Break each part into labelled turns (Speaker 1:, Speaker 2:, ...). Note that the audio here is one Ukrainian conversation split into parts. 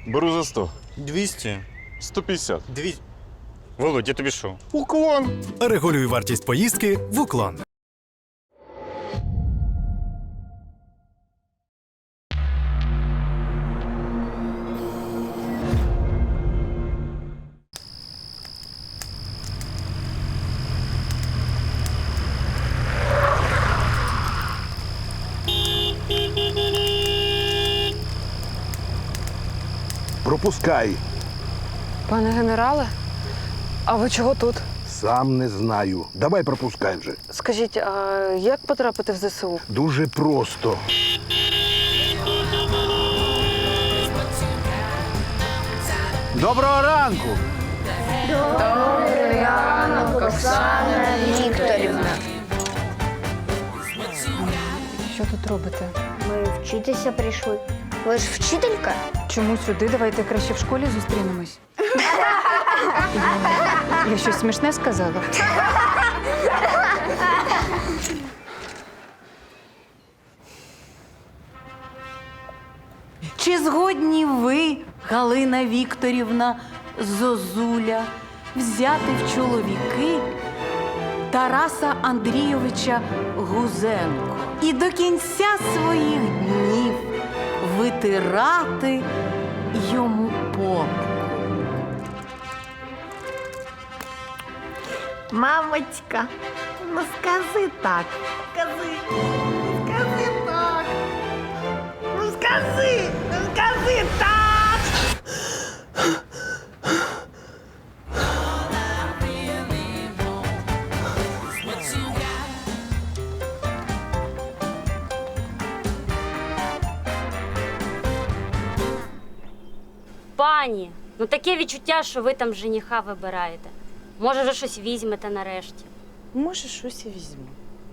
Speaker 1: Беру за 100.
Speaker 2: 200.
Speaker 1: 150.
Speaker 2: 200. Володь, я тобі що?
Speaker 1: Уклон.
Speaker 3: Регулюй вартість поїздки в Уклон.
Speaker 4: Пропускай.
Speaker 5: Пане генерале, а ви чого тут?
Speaker 4: Сам не знаю. Давай пропускай вже.
Speaker 5: Скажіть, а як потрапити в ЗСУ?
Speaker 4: Дуже просто.
Speaker 6: Доброго ранку!
Speaker 7: Оксана Вікторівна.
Speaker 5: Що тут робите?
Speaker 7: Ми вчитися прийшли. Ви ж вчителька?
Speaker 5: Чому сюди? Давайте краще в школі зустрінемось. Я щось смішне сказала?
Speaker 8: Чи згодні ви, Галина Вікторівна Зозуля, взяти в чоловіки Тараса Андрійовича Гузенко і до кінця своїх днів витирати йому попу?
Speaker 9: Мамочка, ну скажи так. Скажи так. Ну скажи так.
Speaker 10: Пані, ну таке відчуття, що ви там жениха вибираєте. Може, вже щось візьмете нарешті.
Speaker 5: Може, щось і візьму.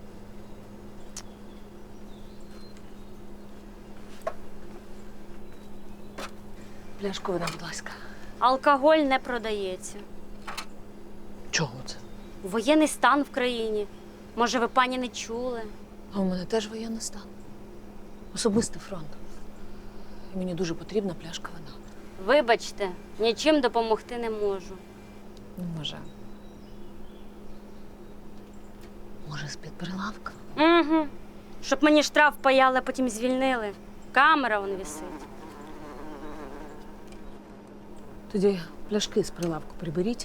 Speaker 5: Пляшку вода, будь ласка.
Speaker 10: Алкоголь не продається.
Speaker 5: Чого це?
Speaker 10: Воєнний стан в країні. Може, ви, пані, не чули?
Speaker 11: А у мене теж воєнний стан. Особистий фронт. І мені дуже потрібна пляшка вина.
Speaker 10: Вибачте, нічим допомогти не можу.
Speaker 11: Може. Може, з-під прилавка?
Speaker 10: Угу. Щоб мені штраф паяли, а потім звільнили. Камера вон висить.
Speaker 11: Тоді пляшки з прилавку приберіть.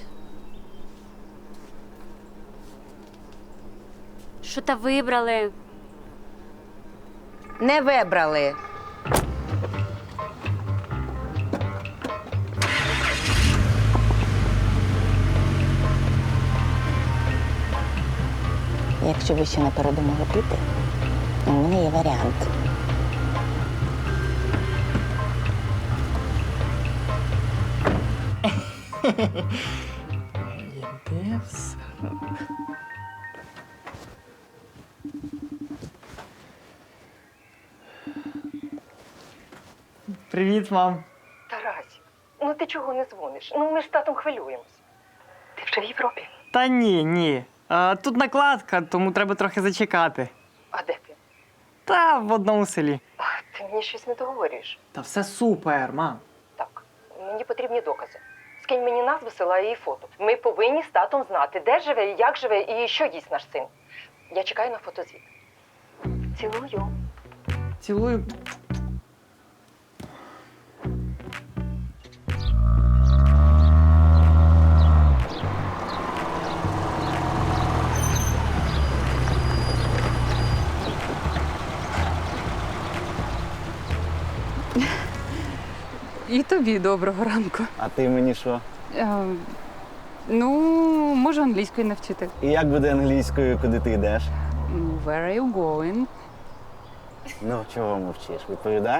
Speaker 10: Що та вибрали?
Speaker 9: Не вибрали.
Speaker 7: Якщо ви ще не передумали піти, у мене є варіант.
Speaker 6: Іде все. Привіт, мам.
Speaker 5: Тарасі, ну ти чого не дзвониш? Ну ми ж з татом хвилюємось. Ти вже в Європі?
Speaker 6: Та ні. Тут накладка, тому треба трохи зачекати.
Speaker 5: А де ти?
Speaker 6: Та в одному селі.
Speaker 5: Ти мені щось не договорюєш.
Speaker 6: Та все супер, мам.
Speaker 5: Так, мені потрібні докази. Скинь мені назву села і фото. Ми повинні з татом знати, де живе, як живе і що їсть наш син. Я чекаю на фотозвіт. Цілую.
Speaker 6: Цілую.
Speaker 5: І тобі доброго ранку.
Speaker 12: А ти мені що?
Speaker 5: Ну, можу англійською навчити.
Speaker 12: І як буде англійською, куди ти йдеш?
Speaker 5: Where are you going?
Speaker 12: Ну, чого мовчиш? Відповідай.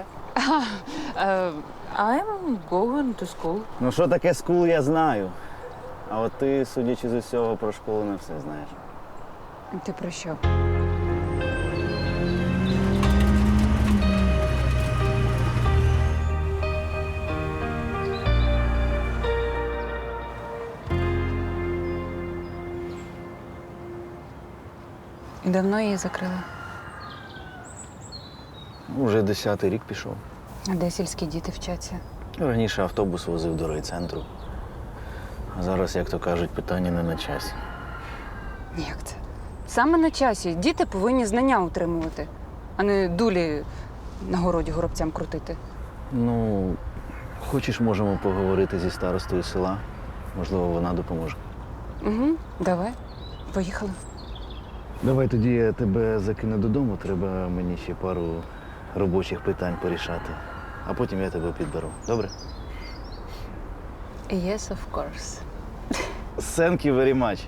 Speaker 11: I'm going to school.
Speaker 12: Ну, що таке скул, я знаю. А от ти, судячи з усього, про школу не все знаєш.
Speaker 5: Ти про що? І давно її закрили?
Speaker 12: Уже 10-й рік пішов.
Speaker 5: А де сільські діти вчаться?
Speaker 12: Раніше автобус возив до райцентру. А зараз, як то кажуть, питання не на часі.
Speaker 1: Як це? Саме на часі. Діти повинні знання утримувати, а не дулі на городі горобцям крутити.
Speaker 12: Ну, хочеш, можемо поговорити зі старостою села. Можливо, вона допоможе.
Speaker 1: Угу, давай. Поїхали.
Speaker 12: Давай тоді я тебе закину додому, треба мені ще пару робочих питань порішати. А потім я тебе підберу. Добре?
Speaker 1: Yes, of course.
Speaker 12: Thank you very much.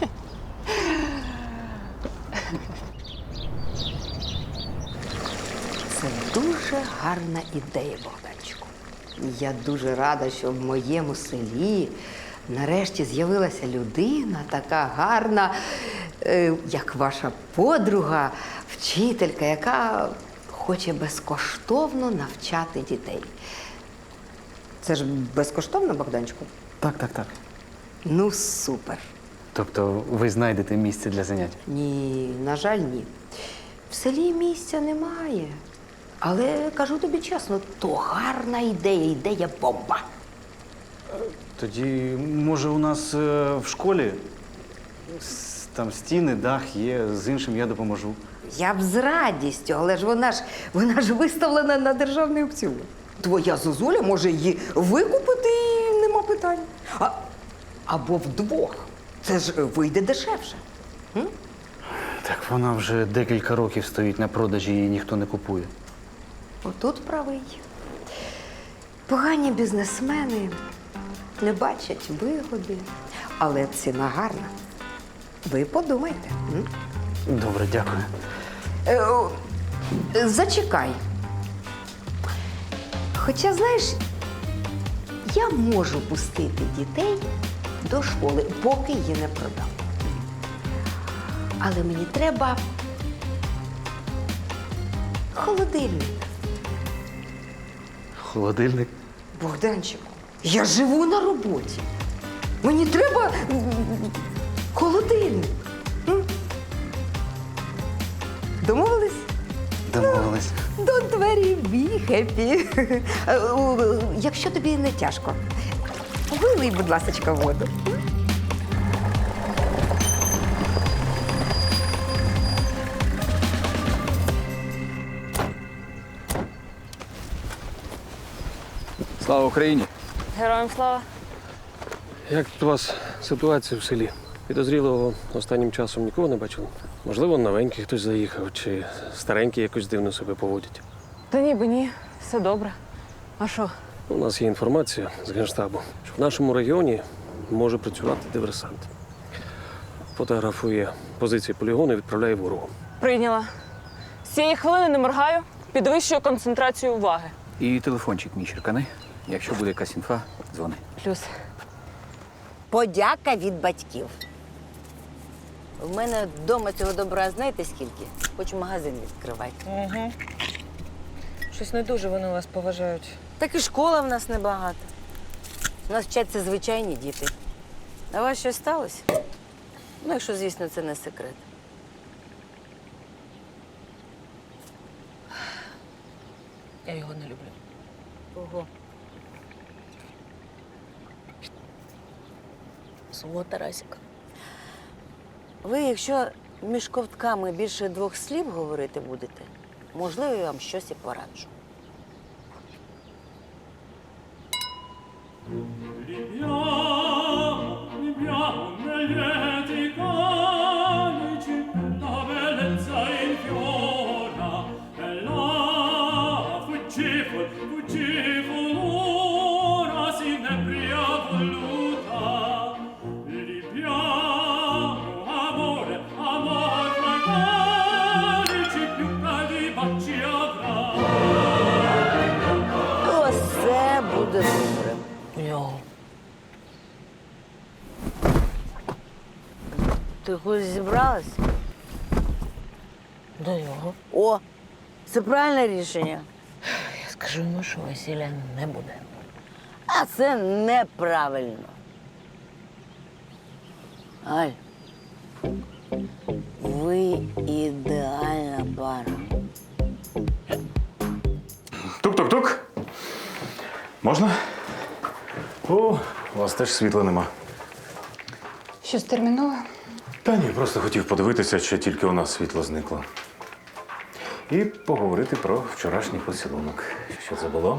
Speaker 9: Це дуже гарна ідея, Богданчику. Я дуже рада, що в моєму селі нарешті з'явилася людина така гарна, як ваша подруга, вчителька, яка хоче безкоштовно навчати дітей. Це ж безкоштовно, Богданчику?
Speaker 6: Так.
Speaker 9: Ну, супер.
Speaker 6: Тобто ви знайдете місце для занять?
Speaker 9: Ні, на жаль, ні. В селі місця немає. Але кажу тобі чесно, то гарна ідея, ідея бомба.
Speaker 6: Тоді, може, у нас в школі там стіни, дах є, з іншим я допоможу.
Speaker 9: Я б з радістю, але ж вона ж виставлена на державний аукціон. Твоя зозуля може її викупити і нема питань. Або вдвох. Це ж вийде дешевше.
Speaker 6: Так вона вже декілька років стоїть на продажі, її ніхто не купує.
Speaker 9: Отут правий. Погані бізнесмени не бачать вигоди, але ціна гарна. Ви подумайте.
Speaker 6: Добре, дякую.
Speaker 9: Зачекай. Хоча, знаєш, я можу пустити дітей до школи, поки її не продам. Але мені треба холодильник.
Speaker 6: Холодильник?
Speaker 9: Богданчику, я живу на роботі. Мені треба холодильник. Домовились?
Speaker 6: Домовились.
Speaker 9: До двері be happy. Якщо тобі не тяжко, вилий, будь ласка, воду.
Speaker 13: Слава Україні!
Speaker 11: Героям слава.
Speaker 13: Як тут у вас ситуація в селі? Підозрілого останнім часом нікого не бачили? Можливо, новенький хтось заїхав, чи старенький якось дивно себе поводять.
Speaker 1: Та ніби ні, все добре. А що?
Speaker 13: У нас є інформація з Генштабу, що в нашому регіоні може працювати диверсант. Фотографує позиції полігону і відправляє ворогу.
Speaker 11: Прийняла. З цієї хвилини не моргаю, підвищую концентрацію уваги.
Speaker 14: І телефончик мій черкани. Якщо буде якась інфа, дзвони.
Speaker 1: Плюс.
Speaker 7: Подяка від батьків. В мене вдома цього добра знаєте скільки? Хочу магазин відкривати.
Speaker 11: Угу. Щось не дуже вони вас поважають.
Speaker 7: Так і школа в нас небагато. У нас вчаться звичайні діти. А у вас щось сталося? Ну, якщо, звісно, це не секрет.
Speaker 11: Я його не люблю.
Speaker 7: Ого.
Speaker 11: Свого Тарасіка.
Speaker 7: Ви, якщо між ковтками більше 2 слів говорити будете, можливо, я вам щось і пораджу. Оце буде добре.
Speaker 11: Його.
Speaker 7: Ти кудись зібралась?
Speaker 11: До його.
Speaker 7: О, це правильне рішення.
Speaker 11: Я скажу йому, що весілля не буде.
Speaker 7: А це неправильно. Аль, ви ідеальна пара.
Speaker 2: Тук-тук-тук.
Speaker 15: Можна? О, у вас теж світла нема.
Speaker 1: Щось термінове?
Speaker 15: Та ні, просто хотів подивитися, чи тільки у нас світло зникло. І поговорити про вчорашній поцілунок. Що це було?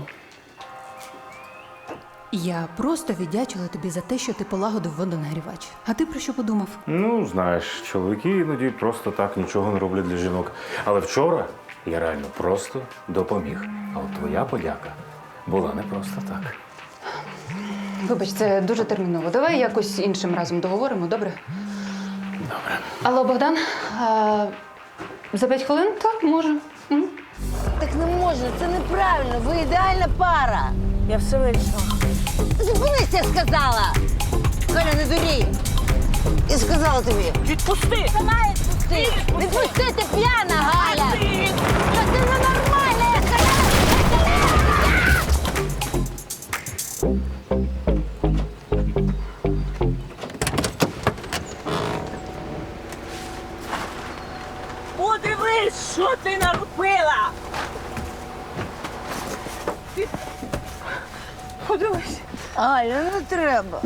Speaker 8: Я просто віддячила тобі за те, що ти полагодив водонагрівач. А ти про що подумав?
Speaker 15: Ну, знаєш, чоловіки іноді просто так нічого не роблять для жінок. Але вчора я реально просто допоміг. А от твоя подяка була не просто так.
Speaker 1: Вибач, це дуже терміново. Давай якось іншим разом договоримо, добре?
Speaker 15: Добре.
Speaker 1: Алло, Богдан, за 5 хвилин? Так, може.
Speaker 7: Так не можна, це неправильно. Ви ідеальна пара. Я все вирішила. Зупинись, я сказала! Галя, не дурій! Я сказала тобі. Відпусти! Сама відпусти! Відпусти, ти п'яна, Галя! Та ти ненормальна, я сказала!
Speaker 16: Подивись, що ти наробила! Подивись.
Speaker 7: Галя, не треба.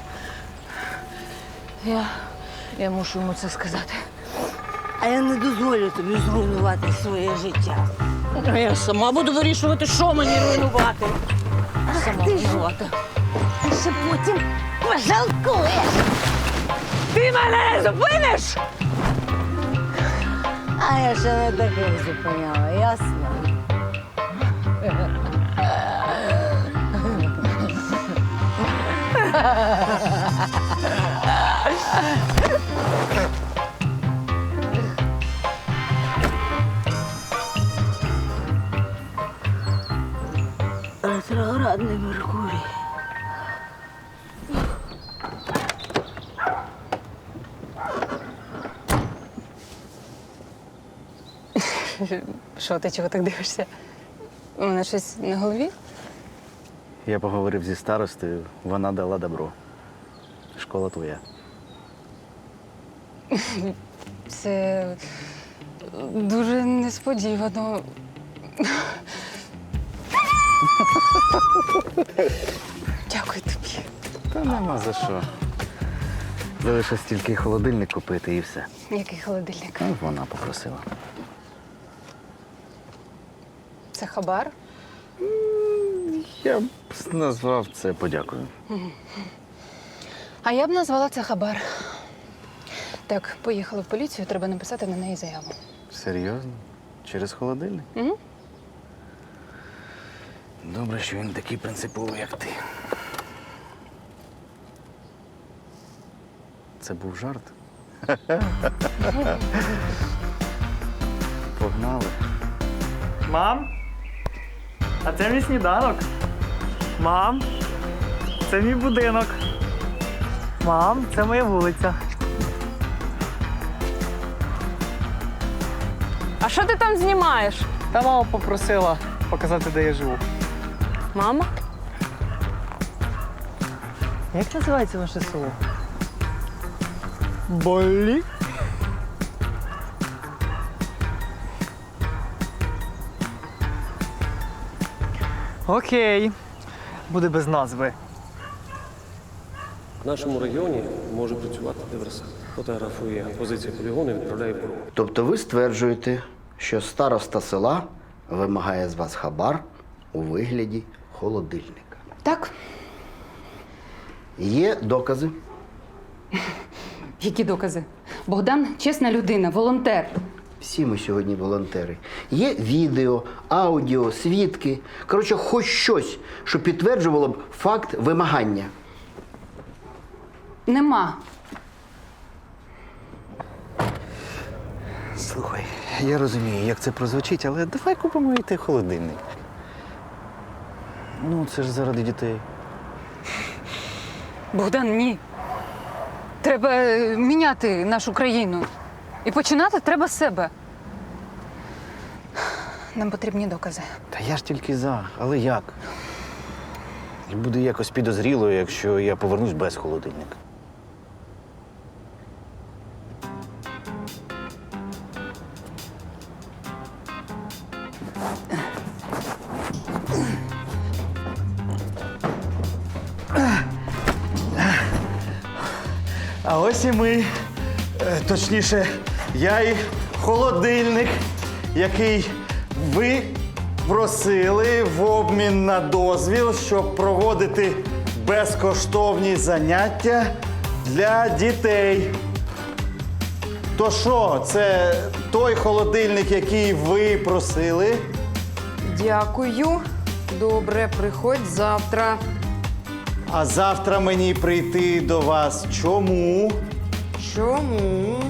Speaker 7: Я мушу йому це сказати. А я не дозволю тобі зруйнувати своє життя.
Speaker 16: А я сама буду вирішувати, що мені руйнувати.
Speaker 7: Сама руйнувати. Ти ще потім пожалкуєш.
Speaker 16: Ти мене зупиниш?
Speaker 7: А я ще не таких зупиняла, ясно? Ретроградний Меркурій.
Speaker 1: Що, ти чого так дивишся? У мене щось на голові?
Speaker 12: Я поговорив зі старостою, вона дала добро. Школа твоя.
Speaker 1: Це дуже несподівано. Дякую тобі.
Speaker 12: Та нема за що. Залишилось тільки холодильник купити і все.
Speaker 1: Який холодильник?
Speaker 12: Ну, вона попросила.
Speaker 1: Це хабар?
Speaker 12: Я б назвав це подякою.
Speaker 1: А я б назвала це хабар. Так, поїхали в поліцію, треба написати на неї заяву.
Speaker 12: Серйозно? Через холодильник?
Speaker 1: Угу.
Speaker 12: Добре, що він такий принциповий, як ти. Це був жарт? Погнали.
Speaker 17: Мам, а це мій сніданок. Мам, це мій будинок. Мам, це моя вулиця.
Speaker 11: А що ти там знімаєш?
Speaker 17: Та мама попросила показати, де я живу.
Speaker 11: Мама?
Speaker 17: Як називається ваше село? Болі? Окей. Буде без назви.
Speaker 13: В нашому регіоні може працювати диверсант. Фотографує позицію полігону і відправляє в БРУ.
Speaker 18: Тобто ви стверджуєте, що староста села вимагає з вас хабар у вигляді холодильника?
Speaker 1: Так.
Speaker 18: Є докази?
Speaker 1: Які докази? Богдан чесна людина, волонтер.
Speaker 18: Всі ми сьогодні волонтери. Є відео, аудіо, свідки. Коротше, хоч щось, що підтверджувало б факт вимагання.
Speaker 1: Нема.
Speaker 12: Слухай, я розумію, як це прозвучить, але давай купимо і той холодильник. Ну, це ж заради дітей.
Speaker 1: Богдан, ні. Треба міняти нашу країну. І починати треба з себе. Нам потрібні докази.
Speaker 12: Та я ж тільки за, але як? І буде якось підозріло, якщо я повернусь без холодильника.
Speaker 6: А ось і ми. Точніше, я і холодильник, який ви просили в обмін на дозвіл, щоб проводити безкоштовні заняття для дітей. То що, це той холодильник, який ви просили?
Speaker 9: Дякую. Добре, приходь завтра.
Speaker 6: А завтра мені прийти до вас чому?
Speaker 9: Чому?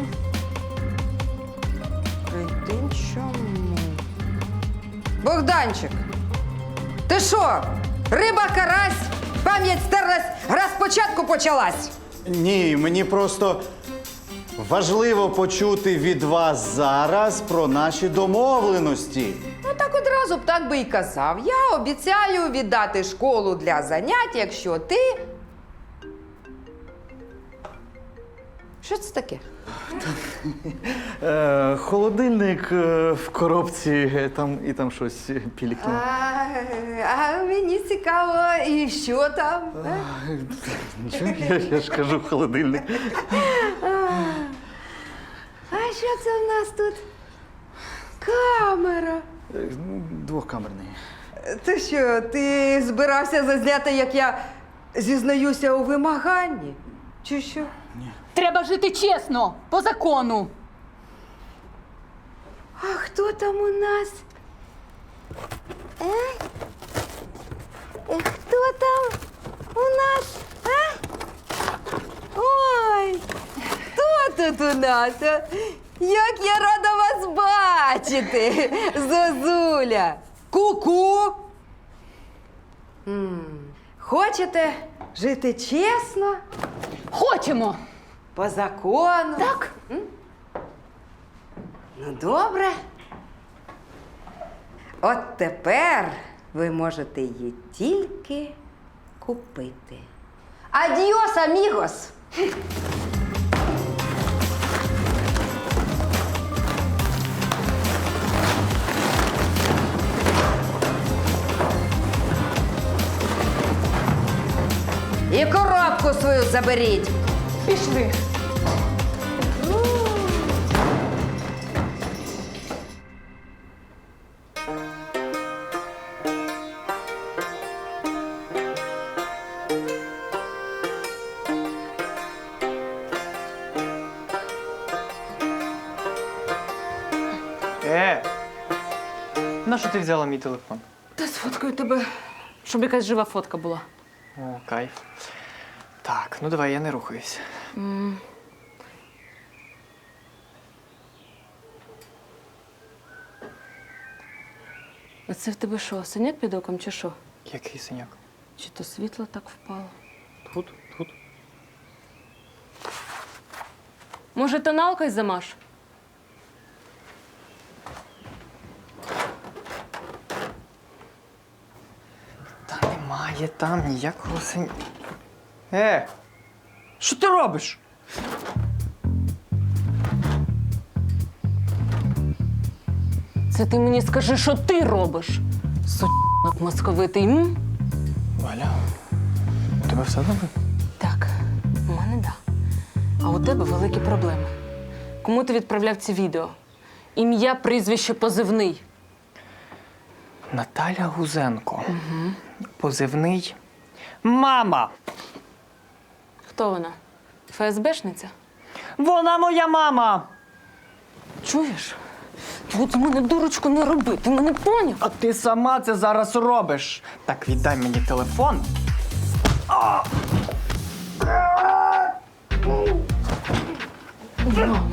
Speaker 9: Прийти чому? Богданчик, ти що? Риба, карась, пам'ять стерлась, гра спочатку почалась.
Speaker 6: Ні, мені просто важливо почути від вас зараз про наші домовленості.
Speaker 9: Ну так одразу б так би і казав. Я обіцяю віддати школу для занять, якщо ти. Що це таке?
Speaker 6: Холодильник в коробці, там щось пілікне.
Speaker 9: А мені цікаво, і що там?
Speaker 6: Нічого, я ж кажу, холодильник.
Speaker 9: А що це в нас тут? Камера.
Speaker 6: Двохкамерний.
Speaker 9: Ти що, ти збирався зазняти, як я зізнаюся у вимаганні? Чи що?
Speaker 1: Треба жити чесно, по закону.
Speaker 9: А хто там у нас? Хто там у нас? Ой, хто тут у нас? Як я рада вас бачити, Зозуля! Ку-ку! Хочете жити чесно?
Speaker 1: Хочемо.
Speaker 9: По закону?
Speaker 1: Так.
Speaker 9: Ну, добре. От тепер ви можете її тільки купити. Адіос, амігос! І коробку свою заберіть.
Speaker 1: Пішли.
Speaker 17: Нащо ти взяла мій телефон?
Speaker 11: Та сфоткаю тебе, щоб якась жива фотка була.
Speaker 17: О, кайф. Так, ну давай, я не рухаюсь.
Speaker 11: А це в тебе що, синяк під оком чи що?
Speaker 17: Який синяк?
Speaker 11: Чи то світло так впало?
Speaker 17: Тут.
Speaker 11: Може, тоналкою замаш?
Speaker 17: Та немає там ніякого синяка. Що ти робиш?
Speaker 11: Це ти мені скажи, що ти робиш? Сучок московитий, м?
Speaker 17: Валя, у тебе все добре?
Speaker 11: Так, у мене да. А у тебе великі проблеми. Кому ти відправляв ці відео? Ім'я, прізвище, позивний.
Speaker 17: Наталя Гузенко. Позивний мама.
Speaker 11: Хто вона? ФСБшниця?
Speaker 17: Вона моя мама.
Speaker 11: Чуєш? От з мене дурочку не роби, ти мене поняв?
Speaker 17: А ти сама це зараз робиш. Так, віддай мені телефон.
Speaker 11: Мама.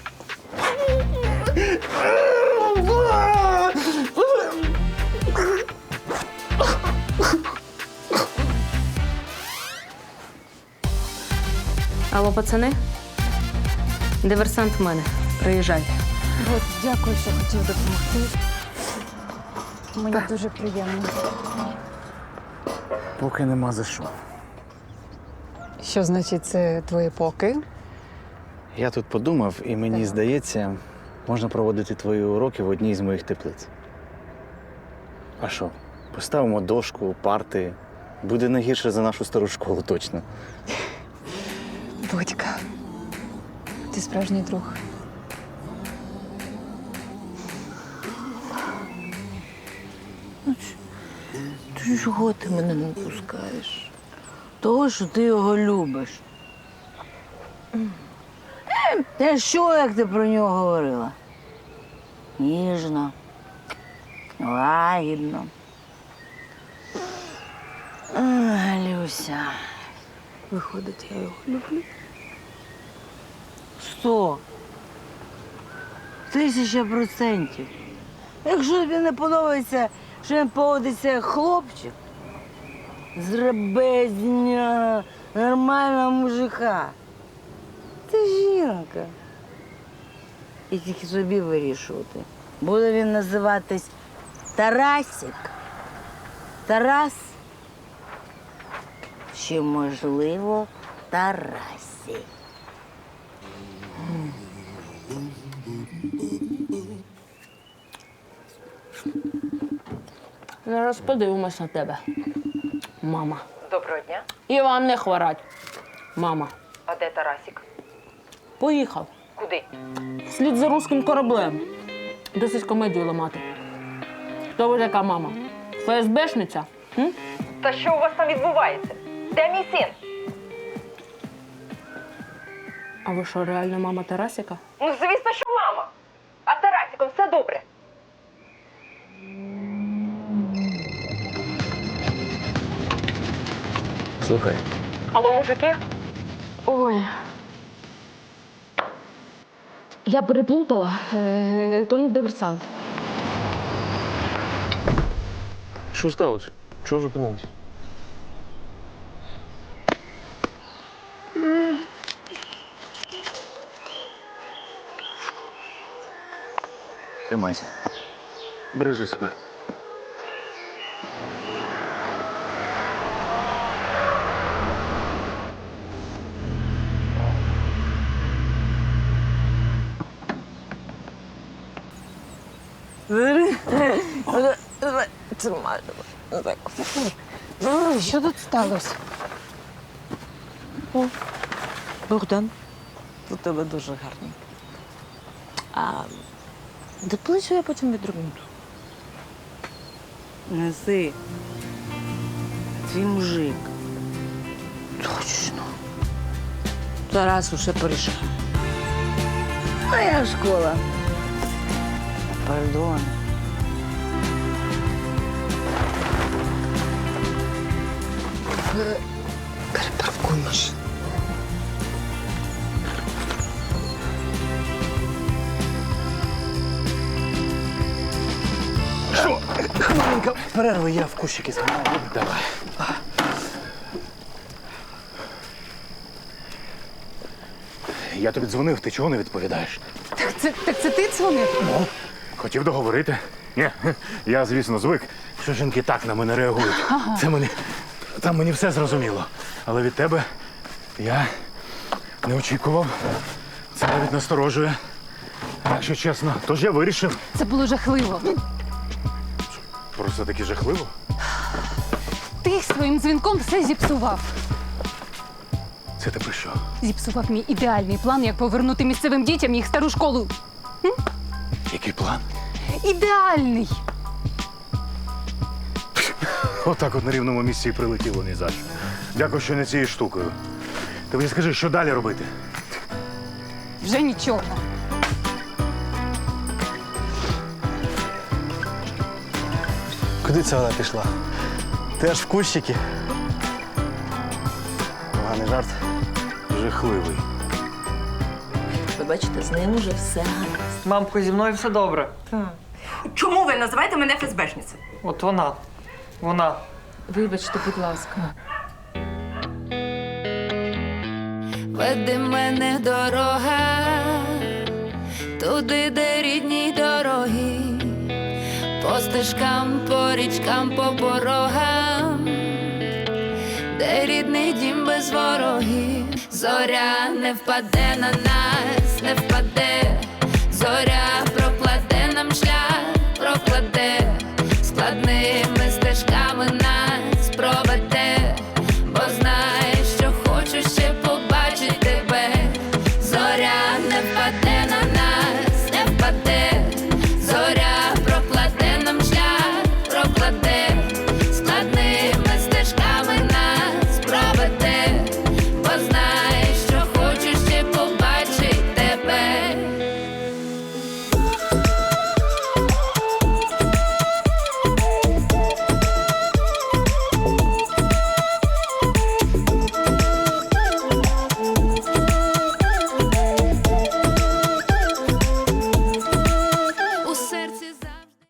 Speaker 11: Алло, пацани? Диверсант в мене. Приїжджайте.
Speaker 1: От, дякую, що хотів допомогти. Мені дуже приємно.
Speaker 12: Поки нема за що.
Speaker 1: Що значить це твої поки?
Speaker 12: Я тут подумав, і мені здається, можна проводити твої уроки в одній з моїх теплиць. А що? Поставимо дошку, парти. Буде не гірше за нашу стару школу, точно.
Speaker 1: Володька, ти справжній друг.
Speaker 7: Ти чого ти мене не пускаєш? Того, що ти його любиш. Та що, як ти про нього говорила? Ніжно, лагідно. Люся, виходить, я його люблю. 100%. Якщо тобі не подобається, що він поводиться як хлопчик, зроби з нього нормального мужика. Ти жінка. І тільки собі вирішувати. Буде він називатись Тарасик, Тарас, чи, можливо, Тарасі.
Speaker 16: Зараз подивимось на тебе, мама.
Speaker 5: Доброго дня.
Speaker 16: І вам не хворать, мама.
Speaker 5: А де Тарасик?
Speaker 16: Поїхав.
Speaker 5: Куди?
Speaker 16: Слід за руським кораблем. Досить комедію ламати. Хто ви така мама? ФСБшниця? М?
Speaker 5: Та що у вас там відбувається? Де мій син?
Speaker 16: А ви що, реальна мама Тарасика?
Speaker 5: Ну, звісно, що мама. А з Тарасиком все добре.
Speaker 13: Слухай.
Speaker 10: Алло, мужики? Ой. Я переплутала. То не диверсант.
Speaker 13: Що сталося? Чого зупинились?
Speaker 14: Тримайся.
Speaker 13: Бережи себе.
Speaker 1: Що тут сталося?
Speaker 7: О, Богдан, у тебе дуже гарний. А доплачу я потім відрубнуту. Неси. Твій мужик. Точно. Тарас усе порішав. Моя школа. Пардон.
Speaker 9: Перепаркуй машину.
Speaker 12: Що? Хвилинка перерви, я в кущики згадаю. Давай. Я тобі дзвонив, ти чого не відповідаєш?
Speaker 1: Так це ти дзвонив?
Speaker 12: Ну, хотів договорити. Ні, я, звісно, звик, що жінки так на мене реагують.
Speaker 1: Ага.
Speaker 12: Там мені все зрозуміло. Але від тебе я не очікував. Це навіть насторожує. Якщо чесно, тож я вирішив.
Speaker 1: Це було жахливо.
Speaker 12: Просто таки жахливо.
Speaker 1: Ти своїм дзвінком все зіпсував.
Speaker 12: Це ти про що?
Speaker 1: Зіпсував мій ідеальний план, як повернути місцевим дітям їх стару школу.
Speaker 12: Який план?
Speaker 1: Ідеальний!
Speaker 12: Отак от на рівному місці і прилетіло ні за що. Дякую, що не цією штукою. Ти мені скажи, що далі робити?
Speaker 1: Вже нічого.
Speaker 6: Куди це вона пішла? Теж в кущики? Поганий жарт.
Speaker 12: Жахливий.
Speaker 16: Ви бачите, з ним уже все гаразд.
Speaker 17: Мамко, зі мною все добре.
Speaker 5: Чому ви називаєте мене ФСБшницею?
Speaker 17: От вона. Вона.
Speaker 11: Вибачте, будь ласка.
Speaker 19: Веди мене дорога, туди, де рідні дороги, по стежкам, по річкам, по порогам, де рідний дім без ворогів. Зоря не впаде на нас, не впаде, зоря